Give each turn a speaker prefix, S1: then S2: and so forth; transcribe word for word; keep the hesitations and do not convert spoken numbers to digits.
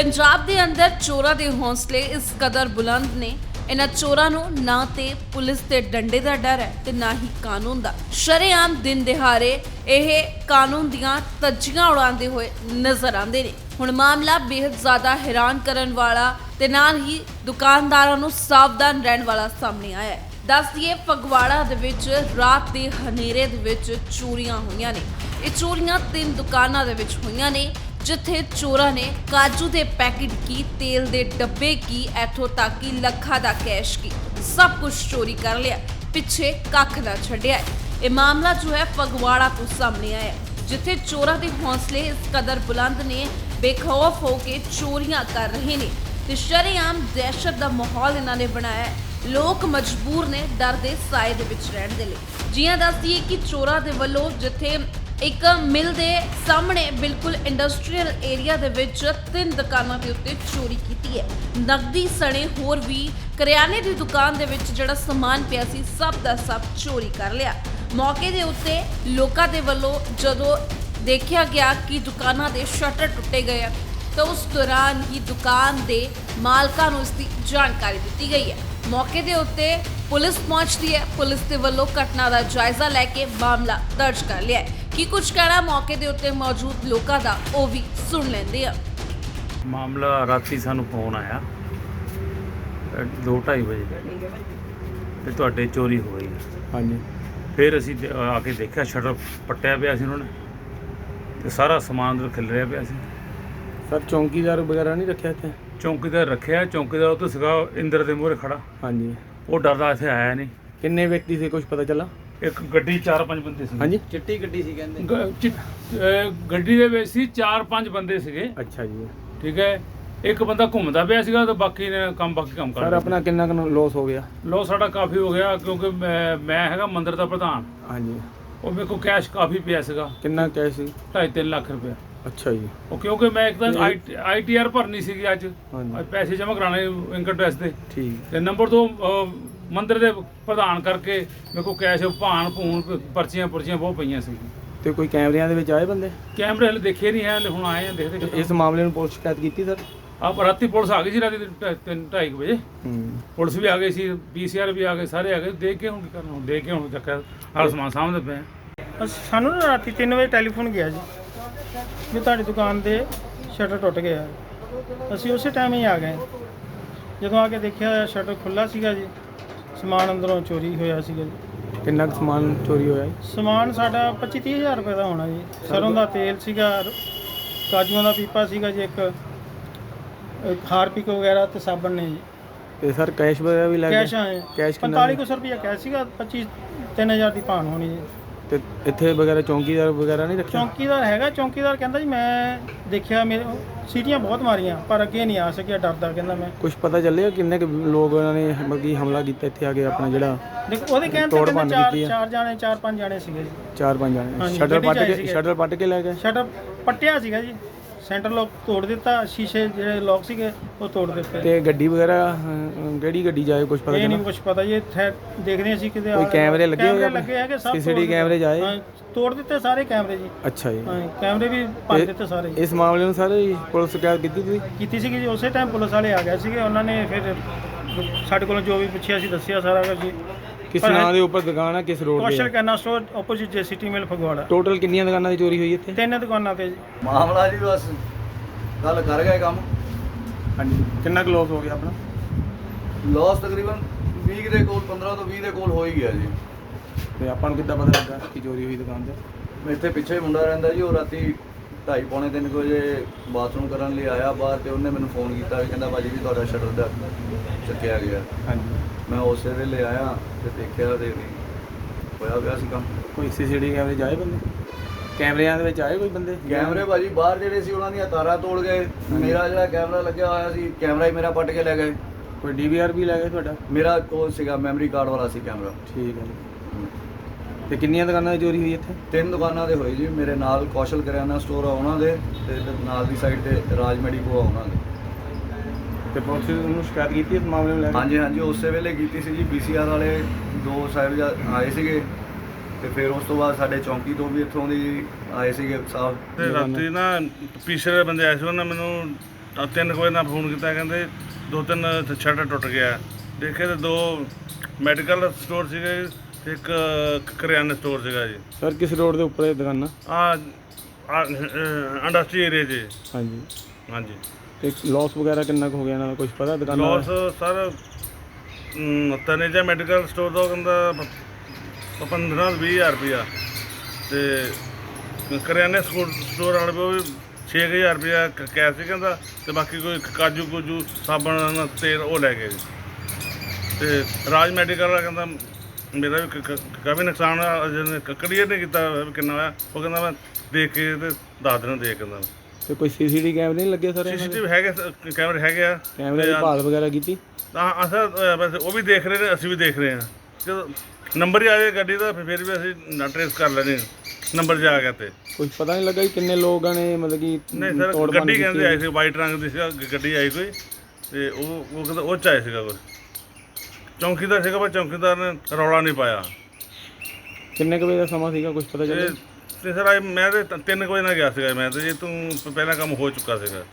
S1: पंजाब के अंदर चोरां के हौसले इस कदर बुलंद ने, इन्हां चोरां नूं ना ते पुलिस के डंडे का डर है ते ना ही कानून का। शरेआम दिन दिहाड़े यह कानून दियां तज्जियां उड़ाते हुए नजर आते हैं। हुण मामला बेहद ज़्यादा हैरान करन वाला ते नाल ही दुकानदारां नूं सावधान रहन वाला सामने आया है। दस दिए फगवाड़ा दे विच रात के हनेरे दे विच चोरियां होईयां ने। ये चोरियां तीन दुकानां दे विच होईयां ने, जिथे चोरां ने काजू के पैकेट की, तेल के डब्बे की, इथों तक कि लखा का कैश की सब कुछ चोरी कर लिया, पिछे कख ना छड्डिया। ये मामला जो है फगवाड़ा तो सामने आया, जिथे चोरां के हौसले इस कदर बुलंद ने, बेखौफ होकर चोरियां कर रहे ने ते शरेआम दहशत का माहौल इन्होंने बनाया है। लोग मजबूर ने डर के साए दे विच रहण दे लई। जियां दस दईए कि चोरां दे वल्लों जिथे एक मिल के सामने बिल्कुल इंडस्ट्रीयल एरिया दे विच तीन दुकानों के उत्ते चोरी की है। नकदी सने होर भी करियाने की दुकान दे विच जिहड़ा समान पिया सी सब दा सब चोरी कर लिया। मौके दे उत्ते लोकां दे वल्लों जदों देखा गया कि दुकानां दे शटर टुटे गए हैं, तो उस दौरान ही दुकान के मालकां नूं इसकी जानकारी दी गई है। मौके के उत्ते पुलिस पहुंचती है। पुलिस के वल्लों घटना का जायजा लैके मामला दर्ज कर लिया है। की कुछ कहना मौके के उत्ते मौजूद लोगों का वो भी सुन लेंदे आ।
S2: मामला राती सानू फोन आया दो ढाई बजे ते तुहाडे चोरी हो गई है।
S3: हाँ जी।
S2: फिर असीं दे- आके देखा शटर पट्टिया पिया सी उन्होंने ते सारा समान अंदर खिलरिया पिया सी।
S3: सर चौकीदार वगैरह नहीं रखे थे?
S2: चौकीदार रखिया, चौकीदार उत्ते सीगा इंदर दे मूहरे खड़ा,
S3: हाँ जी।
S2: वो डरदा इत्थे आया नहीं।
S3: किन्ने व्यक्ति से कुछ पता चला?
S2: एक गड्डी चार पंज बंदे सी।
S3: हाँ जी।
S4: चिट्टी गड्डी सी कहंदे।
S2: ग- चि- अ, ਗੱਡੀ ਦੇ ਵਿੱਚ ਸੀ ਚਾਰ ਪੰਜ ਬੰਦੇ ਸੀਗੇ।
S3: अच्छा जी।
S2: ਠੀਕ ਹੈ, ਇੱਕ ਬੰਦਾ ਘੁੰਮਦਾ ਪਿਆ ਸੀਗਾ ਤੇ ਬਾਕੀ ਨੇ ਕੰਮ ਬਾਕੀ ਕੰਮ ਕਰ
S3: सर अपना किन्ना लॉस हो गया?
S2: ਲੋ ਸਾਡਾ ਕਾਫੀ ਹੋ ਗਿਆ ਕਿਉਂਕਿ ਮੈਂ ਮੈਂ ਹੈਗਾ ਮੰਦਿਰ ਦਾ ਪ੍ਰਧਾਨ।
S3: हाँ जी।
S2: ਉਹ ਮੇਰੇ ਕੋਲ ਕੈਸ਼ ਕਾਫੀ ਪਿਆ ਸੀਗਾ,
S3: किन्ना कैश सी?
S2: ਢਾਈ ਤਿੰਨ ਲੱਖ ਰੁਪਇਆ।
S3: अच्छा जी।
S2: ਉਹ ਕਿਉਂਕਿ ਮੈਂ ਇੱਕ ਤਾਂ ਆਈ ਟੀ ਆਰ ਭਰਨੀ ਸੀਗੀ ਅੱਜ,
S3: हाँ जी।
S2: ਅੱਜ ਪੈਸੇ ਜਮ੍ਹਾਂ ਕਰਾਣੇ ਇਨਕਮ ਟੈਕਸ ਦੇ,
S3: ठीक।
S2: ਤੇ ਨੰਬਰ ਦੋ ਅ, ਮੰਦਿਰ ਦੇ ਪ੍ਰਧਾਨ ਕਰਕੇ ਮੇਰੇ ਕੋਲ ਕੈਸ਼ ਭਾਣ ਭੂਣ ਪਰਚੀਆਂ ਪੁਰਚੀਆਂ ਬਹੁਤ ਪਈਆਂ ਸੀ।
S3: ਤੇ ਕੋਈ ਕੈਮਰਿਆਂ ਦੇ ਵਿੱਚ ਆਏ ਬੰਦੇ?
S2: ਕੈਮਰੇ ਹਲੇ ਦੇਖੇ ਨਹੀਂ ਹੈ, ਹਲੇ ਹੁਣ ਆਏ ਆ ਦੇਖਦੇ
S3: ਤੇ
S2: ਕਿੱਦਾਂ।
S3: ਇਸ ਮਾਮਲੇ ਨੂੰ ਪੁਲਿਸ ਸ਼ਿਕਾਇਤ ਕੀਤੀ ਸਰ?
S2: ਆਪ ਰਾਤੀ ਪੁਲਿਸ ਆ ਗਈ ਸੀ, ਰਾਤੀ ਢਾਈ- ਤਿੰਨ ਢਾਈ ਕੁ ਵਜੇ
S3: ਹੂੰ।
S2: ਪੁਲਿਸ ਵੀ ਆ ਗਈ ਸੀ, ਪੀ ਸੀ ਆਰ ਵੀ ਆ ਗਏ, ਸਾਰੇ ਆ ਗਏ। ਦੇਖ ਕੇ ਹੁਣ ਕੀ ਕਰਨਾ, ਹੁਣ ਦੇਖ ਕੇ ਹੁਣ ਚੱਕਰ ਹਰ ਸਮਾਨ ਸਾਹਮਣੇ ਪਏ ਆ।
S5: ਅਸ- ਸਾਨੂੰ ਨਾ ਰਾਤੀ ਤਿੰਨ ਵਜੇ ਟੈਲੀਫੋਨ ਗਿਆ ਜੀ ਵੀ ਤੁਹਾਡੀ ਦੁਕਾਨ ਦੇ ਸ਼ਟਰ ਟੁੱਟ ਗਿਆ। ਅਸੀਂ ਉਸੇ ਟਾਈਮ ਹੀ ਆ ਗਏ। ਜਦੋਂ ਆ ਕੇ ਦੇਖਿਆ ਸ਼ਟਰ ਖੁੱਲਾ ਸੀਗਾ ਜੀ, ਸਮਾਨ ਅੰਦਰੋਂ ਚੋਰੀ ਹੋਇਆ ਸੀਗਾ ਜੀ।
S3: ਕਿੰਨਾ ਕੁ ਸਮਾਨ ਚੋਰੀ ਹੋਇਆ ਜੀ?
S5: ਸਮਾਨ ਸਾਡਾ ਪੱਚੀ ਤੀਹ ਹਜ਼ਾਰ ਰੁਪਏ ਦਾ ਹੋਣਾ ਜੀ। ਸਰੋਂ ਦਾ ਤੇਲ ਸੀਗਾ, ਕਾਜੂਆਂ ਦਾ ਪੀਪਾ ਸੀਗਾ ਜੀ, ਇੱਕ ਇੱਕ ਹਾਰਪਿਕ ਵਗੈਰਾ ਤੇ ਸਾਬਣ ਨੇ ਜੀ।
S3: ਤੇ ਸਰ ਕੈਸ਼ ਵਗੈਰਾ ਵੀ ਲੱਗ
S5: ਕੈਸ਼
S3: ਗਿਆ?
S5: ਆਏ
S3: ਕੈਸ਼ ਕਿੰਨਾ
S5: ਪੰਤਾਲੀ ਕੁ ਸੌ ਰੁਪਇਆ ਕੈਸ਼ ਸੀਗਾ, ਪੱਚੀ ਤਿੰਨ ਹਜ਼ਾਰ ਦੀ ਭਾਣ ਹੋਣੀ ਜੀ।
S3: ਤੇ ਇੱਥੇ ਵਗੈਰਾ ਚੌਂਕੀਦਾਰ ਵਗੈਰਾ ਨਹੀਂ ਰੱਖਿਆ?
S5: ਚੌਂਕੀਦਾਰ ਹੈਗਾ, ਚੌਂਕੀਦਾਰ ਕਹਿੰਦਾ ਜੀ ਮੈਂ ਦੇਖਿਆ ਮੇਰੇ ਸੀਟੀਆਂ ਬਹੁਤ ਮਾਰੀਆਂ ਪਰ ਅੱਗੇ ਨਹੀਂ ਆ ਸਕਿਆ, ਡਰਦਾ ਕਹਿੰਦਾ ਮੈਂ।
S3: ਕੁਝ ਪਤਾ ਚੱਲਿਆ ਕਿੰਨੇ ਕੁ ਲੋਕ ਉਹਨਾਂ ਨੇ ਮਤਲਬ ਕਿ ਹਮਲਾ ਕੀਤਾ ਇੱਥੇ ਆ ਕੇ ਆਪਣਾ ਜਿਹੜਾ
S5: ਦੇਖੋ ਉਹਦੇ ਕਹਿਣ ਤੇ
S3: ਤੋੜ
S5: ਕਹਿੰਦੇ
S3: ਭੰਨ
S5: ਚਾਰ
S3: ਕੀਤੀ ਆ?
S5: ਚਾਰ ਜਾਣੇ ਚਾਰ ਪੰਜ ਜਾਣੇ ਸੀਗੇ ਜੀ।
S3: ਚਾਰ ਪੰਜ ਜਾਣੇ
S5: ਹਾਂਜੀ,
S3: ਸ਼ਟਰ
S5: ਗੱਡੀ 'ਚ
S3: ਪੱਟ
S5: ਆਏ
S3: ਕੇ
S5: ਸੀਗੇ।
S3: ਸ਼ਟਰ ਪੱਟ ਕੇ ਲੈ ਗਏ?
S5: ਸ਼ਟਰ ਪੱਟਿਆ ਸੀਗਾ ਜੀ, ਸੈਂਟਰ ਲੋਕ ਤੋੜ ਦਿੱਤਾ, ਸ਼ੀਸ਼ੇ ਜਿਹੜੇ ਲੋਕ ਸੀਗੇ ਉਹ ਤੋੜ ਦਿੱਤੇ।
S3: ਤੇ ਗੱਡੀ ਵਗੈਰਾ ਅਹ, ਕਿਹੜੀ ਗੱਡੀ ਜਾਏ ਕੁਝ ਪਤਾ
S5: ਇਹ ਨਹੀਂ
S3: ਚੱਲਾ?
S5: ਕੁਝ ਪਤਾ ਜੀ। ਇੱਥੇ ਦੇਖਦੇ ਅਸੀਂ ਕਿਤੇ
S3: ਕੋਈ ਕੈਮਰੇ ਲੱਗੇ ਹੋਏ
S5: ਕੈਮਰੇ
S3: ਆਪਣੇ?
S5: ਲੱਗੇ ਹੈਗੇ, ਸਭ
S3: ਸੀ ਸੀ ਟੀ
S5: ਤੋੜ ਦਿੱਤੇ।
S3: ਕੈਮਰੇ ਜਾਏ?
S5: ਹਾਂ, ਤੋੜ ਦਿੱਤੇ ਸਾਰੇ ਕੈਮਰੇ ਜੀ।
S3: ਅੱਛਾ ਜੀ।
S5: ਹਾਂ, ਕੈਮਰੇ ਵੀ ਭੰਨ
S3: ਇਹ-
S5: ਦਿੱਤੇ ਸਾਰੇ।
S3: ਇਸ ਮਾਮਲੇ ਨੂੰ ਸਰ ਪੁਲਿਸ ਸ਼ਿਕਾਇਤ ਕੀਤੀ ਤੁਸੀਂ?
S5: ਕੀਤੀ ਸੀਗੀ ਜੀ, ਉਸੇ ਟਾਈਮ ਪੁਲਿਸ ਵਾਲੇ ਆ ਗਏ ਸੀਗੇ। ਉਹਨਾਂ ਨੇ ਫਿਰ ਸਾਡੇ ਕੋਲੋਂ ਜੋ ਵੀ ਪੁੱਛਿਆ ਸੀ ਦੱਸਿਆ ਸਾਰਾ ਕੁਝ ਜੀ।
S3: ਕਿਸ
S5: ਪਰ
S3: ਨਾਂ ਦੇ ਉੱਪਰ ਦੁਕਾਨ ਹੈ, ਕਿਸ ਰੋਡ
S5: ਕੌਸ਼ਲ
S3: ਤੇ?
S5: ਕਰਨਾ store opposite J city mall Phagwara.
S3: Total ਕਿੰਨੀਆਂ ਦੁਕਾਨਾਂ ਦੀ ਚੋਰੀ ਹੋਈ ਇੱਥੇ?
S5: ਤਿੰਨ ਦੁਕਾਨਾਂ ਤੇ ਜੀ।
S4: ਮਾਮਲਾ ਜੀ ਬਸ ਗੱਲ ਕਰ ਗਏ ਕੰਮ।
S3: ਹਾਂਜੀ। ਕਿੰਨਾ ਕੁ ਲੋਸ ਹੋ ਗਿਆ ਆਪਣਾ?
S4: ਲਾਸ ਤਕਰੀਬਨ ਵੀਹ ਦੇ ਕੋਲ, ਪੰਦਰਾਂ ਤੋਂ ਵੀਹ ਦੇ ਕੋਲ ਹੋ ਹੀ ਗਿਆ ਜੀ।
S3: ਤੇ ਆਪਾਂ ਨੂੰ ਕਿੱਦਾਂ ਪਤਾ ਲੱਗਾ ਕਿ ਚੋਰੀ ਹੋਈ ਦੁਕਾਨ ਤੇ?
S4: ਇੱਥੇ ਪਿੱਛੇ ਮੁੰਡਾ ਰਹਿੰਦਾ ਜੀ, ਉਹ ਰਾਤੀ ਢਾਈ ਪੌਣੇ ਤਿੰਨ ਕੁ ਵਜੇ ਬਾਥਰੂਮ ਕਰਨ ਲਈ ਆਇਆ ਬਾਹਰ, ਤੇ ਉਹਨੇ ਮੈਨੂੰ ਫੋਨ ਕੀਤਾ ਵੀ ਕਹਿੰਦਾ ਭਾਜੀ ਵੀ ਤੁਹਾਡਾ ਸ਼ਟਰ ਦਾ ਚੱਕਿਆ ਗਿਆ।
S3: ਹਾਂਜੀ।
S4: ਮੈਂ ਉਸੇ ਵੇਲੇ ਆਇਆ ਤੇ ਦੇਖਿਆ ਤੇ ਹੋਇਆ ਪਿਆ ਸੀ ਕੰਮ।
S3: ਕੋਈ ਸੀ ਸੀ ਟੀ ਕੈਮਰੇ ਜਾਏ ਬੰਦੇ? ਕੈਮਰਿਆਂ ਦੇ ਵਿੱਚ ਆਏ ਕੋਈ ਬੰਦੇ?
S4: ਕੈਮਰੇ ਭਾਜੀ ਬਾਹਰ ਜਿਹੜੇ ਸੀ ਉਹਨਾਂ ਦੀਆਂ ਤਾਰਾਂ ਤੋੜ ਗਏ। ਮੇਰਾ ਜਿਹੜਾ ਕੈਮਰਾ ਲੱਗਿਆ ਹੋਇਆ ਸੀ, ਕੈਮਰਾ ਹੀ ਮੇਰਾ ਪੱਟ ਕੇ ਲੈ ਗਏ।
S3: ਕੋਈ ਡੀ ਵੀ ਆਰ ਵੀ ਲੈ ਗਏ ਤੁਹਾਡਾ?
S4: ਮੇਰਾ ਕੋਲ ਸੀਗਾ ਮੈਮਰੀ ਕਾਰਡ ਵਾਲਾ ਸੀ ਕੈਮਰਾ।
S3: ਠੀਕ ਹੈ ਜੀ। ਤੇ ਕਿੰਨੀਆਂ ਦੁਕਾਨਾਂ ਦੀ ਚੋਰੀ ਹੋਈ ਇੱਥੇ?
S4: ਤਿੰਨ ਦੁਕਾਨਾਂ ਦੇ ਹੋਈ ਜੀ। ਮੇਰੇ ਨਾਲ ਕੌਸ਼ਲ ਕਰਿਆਨਾ ਸਟੋਰ ਆ ਉਹਨਾਂ ਦੇ, ਤੇ ਨਾਲ ਦੀ ਸਾਈਡ ਤੇ ਰਾਜ ਮੈਡੀਕੋ ਆ ਉਹਨਾਂ ਦੇ।
S3: ਤੇ ਪੁਲਿਸ ਨੂੰ ਸ਼ਿਕਾਇਤ ਕੀਤੀ ਇਸ ਮਾਮਲੇ ਨੂੰ ਲੈ ਕੇ?
S4: ਹਾਂਜੀ ਹਾਂਜੀ, ਉਸੇ ਵੇਲੇ ਕੀਤੀ ਸੀ ਜੀ। ਪੀ ਸੀ ਆਰ ਵਾਲੇ ਦੋ ਸਾਹਿਬ ਆਏ ਸੀਗੇ, ਤੇ ਫਿਰ ਉਸ ਤੋਂ ਬਾਅਦ ਸਾਡੇ ਚੌਂਕੀ ਤੋਂ ਵੀ ਇੱਥੋਂ ਦੀ ਆਏ ਸੀਗੇ ਸਾਹਿਬ।
S2: ਤੇ ਰਾਤੀ ਨਾ ਪੀਛੇ ਦੇ ਬੰਦੇ ਆਏ ਸੀ, ਉਹਨਾਂ ਮੈਨੂੰ
S6: ਤਾਂ ਤਿੰਨ ਕੁ ਵਜੇ ਨਾਲ ਫੋਨ ਕੀਤਾ, ਕਹਿੰਦੇ ਦੋ ਤਿੰਨ ਸ਼ਟਰ ਟੁੱਟ ਗਿਆ। ਦੇਖੇ ਤਾਂ ਦੋ ਮੈਡੀਕਲ ਸਟੋਰ ਸੀਗੇ ਤੇ ਇੱਕ ਕਰਿਆਨੇ ਸਟੋਰ ਸੀਗਾ ਜੀ।
S3: ਸਰ ਕਿਸ ਰੋਡ ਦੇ ਉੱਪਰ ਇਹ ਦੁਕਾਨਾਂ?
S6: ਆ ਇੰਡਸਟਰੀ ਏਰੀਆ 'ਚ।
S3: ਹਾਂਜੀ।
S6: ਹਾਂਜੀ।
S3: ਤੇ ਲੋਸ ਵਗੈਰਾ ਕਿੰਨਾ ਕੁ ਹੋ ਗਿਆ ਇਹਨਾਂ ਦਾ ਕੁਝ ਪਤਾ ਦੁਕਾਨਾਂ
S6: ਲੋਸ
S3: ਦਾ?
S6: ਸਰ ਤਨੇਜਾ ਮੈਡੀਕਲ ਸਟੋਰ ਦਾ ਕਹਿੰਦਾ ਪ- ਪੰਦਰਾਂ ਵੀਹ ਹਜ਼ਾਰ ਰੁਪਈਆ, ਤੇ ਕਰਿਆਨੇ ਸਕੂਲ ਸਟੋਰ ਵਾਲੇ ਕੋਲ ਵੀ ਛੇ ਕੁ ਹਜ਼ਾਰ ਰੁਪਈਆ ਕ- ਕੈਸ਼ ਸੀ ਕਹਿੰਦਾ, ਤੇ ਬਾਕੀ ਕੋਈ ਕਾਜੂ ਕੁਜੂ ਸਾਬਣ ਤੇਲ ਉਹ ਲੈ ਗਏ ਜੀ। ਤੇ ਰਾਜ ਮੈਡੀਕਲ ਵਾਲਾ ਕਹਿੰਦਾ ਮੇਰਾ ਵੀ ਕ- ਕ- ਕਾਫੀ ਨੁਕਸਾਨ ਹੋਇਆ, ਜਿਹਨੇ ਕਲੀਅਰ ਨਹੀਂ ਕੀਤਾ ਵੀ ਕਿੰਨਾ ਹੋਇਆ। ਉਹ ਕਹਿੰਦਾ ਮੈਂ ਦੇਖ ਕੇ ਤੇ ਦੱਸ ਦੇਣਾ ਦੇਖ ਕਹਿੰਦਾ।
S3: ਤੇ ਕੋਈ ਸੀਸੀਟੀਵੀ ਕੈਮਰੇ ਨਹੀਂ ਲੱਗੇ ਸਰ?
S6: ਸੀ
S3: ਇਹਨਾਂ
S6: ਸੀ
S3: ਦੇ
S6: ਟੀ ਵੀ ਹੈਗੇ, ਸ- ਕੈਮਰੇ ਹੈਗੇ ਆ।
S3: ਕੈਮਰੇ ਦੀ
S6: ਤੇ
S3: ਭਾਲ ਵਗੈਰਾ ਕੀਤੀ?
S6: ਤਾਂ ਅਸਾਂ ਅ, ਵੈਸੇ ਉਹ ਵੀ ਦੇਖ ਰਹੇ ਨੇ, ਅਸੀਂ ਵੀ ਦੇਖ ਰਹੇ ਹਾਂ। ਜਦੋਂ ਨੰਬਰ ਹੀ ਆ ਜਾਏ ਗੱਡੀ ਦਾ ਫਿਰ ਫਿਰ ਵੀ ਅਸੀਂ ਨਾ ਟਰੇਸ ਕਰ ਲੈਣੇ ਨੰਬਰ 'ਚ ਆ ਗਿਆ ਤੇ।
S3: ਕੁਝ ਪਤਾ ਨਹੀਂ ਲੱਗਾ ਕਿ ਕਿੰਨੇ ਲੋਕਾਂ ਨੇ ਮਤਲਬ ਕਿ
S6: ਨਹੀਂ ਸਰ,
S3: ਤੋੜ ਭੰਨ
S6: ਗੱਡੀ
S3: ਕੀਤੀ
S6: ਕਹਿੰਦੇ ਆਏ
S3: ਹੋਈ?
S6: ਸੀ, ਵਾਈਟ ਰੰਗ ਦੀ ਸੀਗਾ ਗ- ਗੱਡੀ ਆਈ ਕੋਈ, ਤੇ ਉਹ ਉਹ ਕਹਿੰਦਾ ਉਹ 'ਚ ਆਏ ਸੀਗਾ ਕੋਈ ਚੌਂਕੀਦਾਰ ਸੀਗਾ, ਪਰ ਚੌਂਕੀਦਾਰ ਨੇ ਰੌਲਾ ਨਹੀਂ ਪਾਇਆ।
S3: ਕਿੰਨੇ ਕੁ ਵਜੇ ਦਾ ਸਮਾਂ ਸੀਗਾ, ਕੁਝ ਪਤਾ
S6: ਤੇ
S3: ਚੱਲਿਆ?
S6: ਤੇ ਸਰ ਅੱਜ ਮੈਂ ਤੇ ਤ- ਤਿੰਨ ਕੁ ਵਜੇ ਨਾਲ ਗਿਆ ਸੀਗਾ ਮੈਂ ਤੇ, ਜੇ ਤੂੰ ਪਹਿਲਾਂ ਕੰਮ ਹੋ ਚੁੱਕਾ ਸੀਗਾ।